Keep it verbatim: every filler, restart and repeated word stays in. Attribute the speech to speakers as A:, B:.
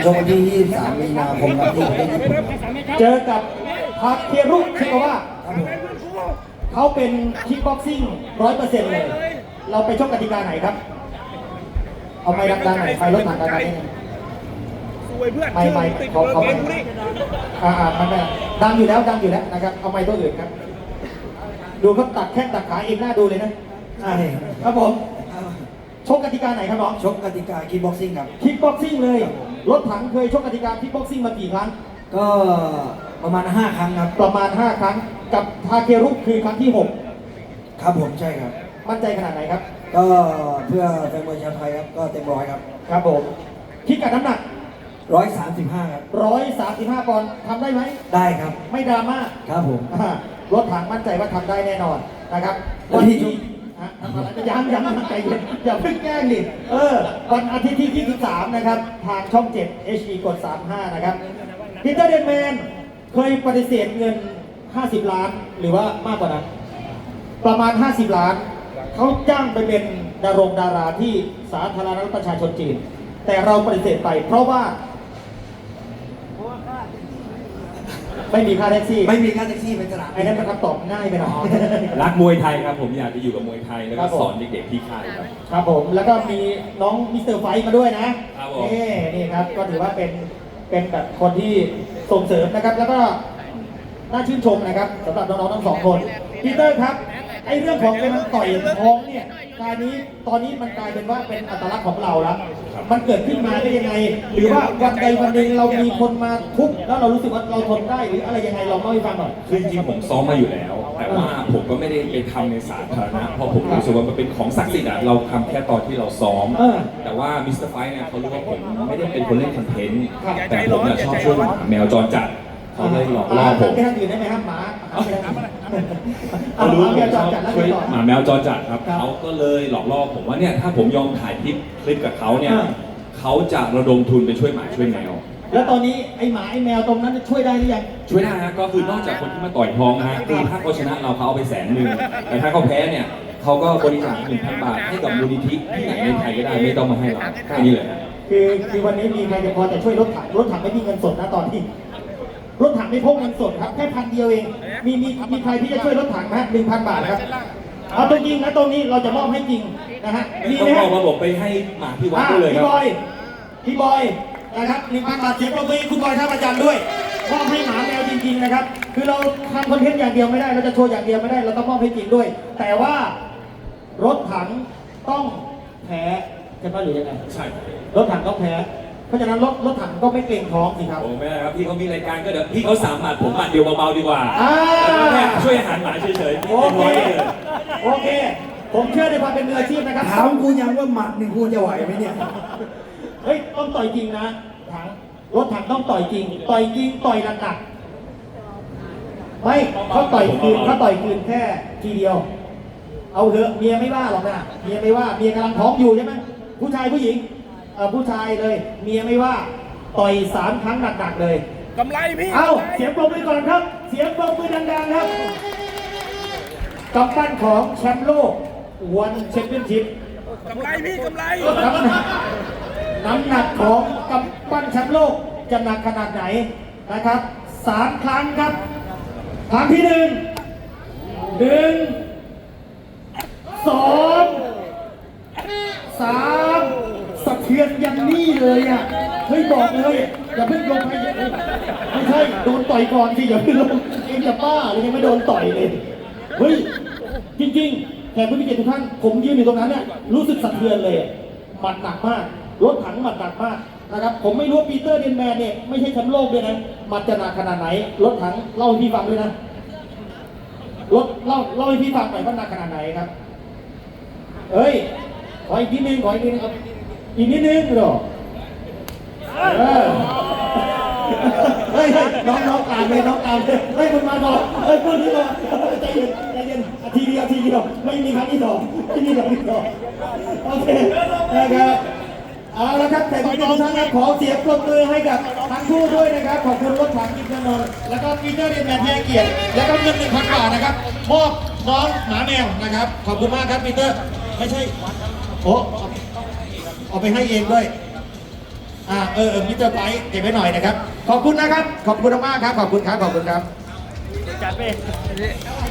A: ชกวันที่ยี่สิบสามมีนาคมครับที่ประเทศญี่ปุ่นครับ
B: เจอกับทาเครุชิโกวะเขาเป็นคิกบ็อกซิ่งร้อยเปอร์เซ็นต์เลย เราไปชกกติกาไหนครับ เอาไม้ดังๆหน่อยไฟรถถังดังๆนิดนึงไม่ไม่เขาเขาไม่อ่าอ่ามันไม่ดังอยู่แล้วดังอยู่แล้วนะครับเอาไม้ตัวอื่นครับ ดูเขาตัดแข้งตัดขาเองหน้าดูเลยนะ
A: ใช่
B: ครับผมชกกติกาไหนครับน้อง
A: ชกกติกาคิกบ็อกซิ่งครับ
B: คิกบ็อกซิ่งเลยรถถังเคยชกกติกาคิกบ็อกซิ่งมากี่ครั้ง
A: ก็ประมาณห้าครั้งครับ
B: ประมาณห้าครั้งกับทาเครุคือครั้งที่หก
A: ครับผมใช่ครับ
B: มั่นใจขนาดไหนครับ
A: ก็เพื่อแฟนมวยชาวไทยครับก็เต็มร้อยครับ
B: ครับผมพิกัดน้ำหนัก
A: ร้อยสามสิบห้าครับ
B: ร้อยสามสิบห้าปอนด์ทำได้ไหม
A: ได้ครับ
B: ไม่ดราม่า
A: ครับผม
B: อ่ารถถังมั่นใจว่าทำได้แน่นอนนะครับ
A: วันที่
B: ฮะทำอะไรยังยังยังใจเย็นอย่าเพิ่งแกล้งดิเออวันอาทิตย์ที่ยี่สิบสามนะครับทางช่องเจ็ด เอช ดี กดสามสิบห้านะครับพีเตอร์เดนแมนเคยปฏิเสธเงินห้าสิบล้านหรือว่ามากกว่านั้นประมาณห้าสิบล้านเขาจ้างไปเป็นดารงดาราที่สาธารณรัฐประชาชนจีนแต่เราปฏิเสธไปเพราะว่าไม่มีค่าแท็กซี่
A: ไม่มีค่าแท็กซี่เป็นสนาม
B: ไอ้นั่นมันคำตอบง่ายไปหน่อย
C: รักมวยไทยครับผมอยากจะอยู่กับมวยไทยแล้ว
B: ครั
C: ก็
B: บผม
C: สอนเด็กๆที่ค่ายครับ
B: ครับผมแล้วก็มีน้องมิสเตอร์ไฟท์มาด้วยนะครับ
C: ผม
B: นี่นี่ครับก็ถือว่าเป็นเป็นแบบคนที่ส่งเสริมนะครับ แล้วก็น่าชื่นชมนะครับสำหรับน้องๆทั้งสองคนพีเตอร์ครับไอ้เรื่องของเป็นต่อยท้องเนี่ยการนี้ตอนนี้มันกลายเป็นว่าเป็นอัตลักษณ์ของเราแล้วมันเกิดขึ้นมาได้ยังไง หรือว่าวันใดวันหนึ่งเรามีคนมาทุบแล้วเรารู้สึกว่าเราทนได้หรืออะไรยังไงลองเล่าให้ฟังหน่อย
C: คือจริงๆผมซ้อมมาอยู่แล้ว แต่ว่าผมก็ไม่ได้ไปทำในสาธารณะเพราะผมรู้สึกว่ามันเป็นของศักดิ์สิทธิ์อะเราทำแค่ตอนที่เราซ้อม
B: เออ
C: แต่ว่ามิสเตอร์ไฟท์เนี่ยเขารู้ว่าผมไม่ได้เป็นคนเล่นคอนเทนต์แต่ผมเนี่ยชอบช่วยหมาแมวจรจัดเขาเลยหลอกล่อผม
B: ไปทางอื่นได้ไหมครับหมาเอาไปทางอื่น
C: เขารู้
B: ห
C: ว่า
B: มา
C: ผม
B: แมวจ
C: ช
B: ร
C: อบ
B: จัดแล้ว
C: ช่วย
B: ไงต่อ
C: หมาแมวจรจัดครับ
B: ครับ
C: เขาก็เลยหลอกล่อผมว่าเนี่ยถ้าผมยอมถ่ายคลิปคลิปกับเขาเนี่ย
B: อ่า
C: เขาจะระดมทุนไปช่วยหมาช่วยแมว
B: แล้วตอนนี้ไอ้หมาไอ้แมวตรงนั้นช่วยได้หรือยัง
C: ช่วยได้ฮะก็คือนอกจากคนที่มาต่อยท้องนะฮะคือถ้าเขาชนะเราเขาเอาไปแสนหนึ่งแต่ถ้าเขาแพ้เนี่ยเขาก็บริจาคหนึ่งพันบาทให้กับมูลนิธิที่ไหนในไทยก็ได้ไม่ต้องมาให้เราแค่นี้เลยฮะ
B: คือคือวันนี้มีใครจะพอจะช่วยรถถังรถถังไม่มีเงินสดนะตอนนี้รถถังไม่พกเงินสดครับแค่พันเดียวเอง มีมีมีใครที่จะช่วยรถถังไหมหนึ่งพันบาทครับเอาตรงจริงนะตรงนี้เราจะมอบให้จริงนะฮะมี
C: ต้อ
B: ไหม
C: ง
B: ฮะ
C: เอามาบอกไปให้หมาที่วัด
B: อ่า
C: ด้วยเลยค
B: พี่
C: รับบ
B: อยพี่บอยนะครับหนึ่งพันบาทเสียงปรบมือให้คุณบอยท่าประจันด้วยมอบให้หมาแมวจริง ๆนะครับ คือเราทำคอนเทนต์อย่างเดียวไม่ได้เราจะโชว์อย่างเดียวไม่ได้เราต้องมอบให้จริงด้วย แต่ว่ารถถังต้องแพ้ใช่ไหมหรือยังไง
C: ใช่
B: รถถังต้องแพ้ เพราะฉะนั้นรถรถถังก็ไม่เกรงท้องสิครับ
C: โอ้ไม่ได้ครับพี่เขามีรายการก็เดี๋ยวพี่เขาสามหมัดผมหมัดเดียวเบาๆดีกว่า
B: อ่า
C: แค่ช่วยอาหารหมาเฉยๆ
B: โอเค โอเค ผมเชื่อในความเป็นมืออาชีพนะครับ
A: ถามกูยังว่าหมัดหนึ่งกูจะไหวไหมเนี่ย
B: เฮ้ยต้องต่อยจริงนะถังรถถังต้องต่อยจริง ต่อยจริงต่อยหนักๆไม่เขาต่อยคืนเขาต่อยคืนแค่ทีเดียว เอาเถอะเมียไม่ว่าหรอกนะเมียไม่ว่าเมียกำลังท้องอยู่ใช่ไหมผู้ชายผู้หญิงเออผู้ชายเลย เมียไม่ว่าต่อยสามครั้งหนักๆเลย
D: กำไรพี่
B: เอาเสียงปรบมือก่อนครับ เสียงปรบมือดังๆครับกำปั้นของแชมป์โลกวันแชมเปี้ยนชิพ
D: กำไรพี่กำไร
B: น้ำหนักน้ำหนักของกำปั้นแชมป์โลกจะหนักขนาดไหนนะครับสามครั้งครับครั้งที่หนึ่งหนึ่งสองสามสะเทือนยันนี่เลยอ่ะเฮ้ยบอกเลยอย่าเพิ่งลงไปไม่ใช่โดนต่อยก่อนสิอย่าเพิ่งลงเองจะบ้าเลยยังไม่โดนต่อยเลยเฮ้ยจริงๆแขกผู้มีเกียรติทุกท่านผมยืนอยู่ตรงนั้นเนี่ยรู้สึกสะเทือนเลยหมัดหนักมากรถถังหมัดหนักมากนะครับผมไม่รู้ปีเตอร์เดนแมนเนี่ยไม่ใช่แชมป์โลกด้วยนะหมัดจะหนักขนาดไหนรถถังเล่าให้พี่ฟังด้วยนะรถเล่าเล่าให้พี่ฟังหน่อยว่าหนักขนาดไหนครับเฮ้ยขออีกนิดนึงขออีกนิดนึงครับอีกนิดนึงเหรอเออเฮ้ยน้องน้องตามเลยน้องตามเลยเฮ้ยคุณมาก่อนเฮ้ยคุณนี่ก่อนใจเย็นใจเย็นทีเดียวทีเดียวไม่มีครั้งที่สองไม่มีครั้งที่สองโอเคนะครับเอาละครับแต่ทุกท่านครับขอเสียงปรบมือให้กับทั้งคู่ด้วยนะครับขอบคุณรถถังกินนนท์แล้วก็ปีเตอร์เดนแมนเทียเกียรติแล้วก็เงินหนึ่งพันบาทนะครับมอบน้องหมาแมวนะครับขอบคุณมากครับปีเตอร์ไม่ใช่โอ้เอาไปให้เองด้วยอ่าเออเออมิสเตอร์ไบค์เก็บไว้หน่อยนะครับ ขอบคุณนะครับ ขอบคุณมากๆครับ ขอบคุณครับ ขอบคุณครับ
D: จัดไป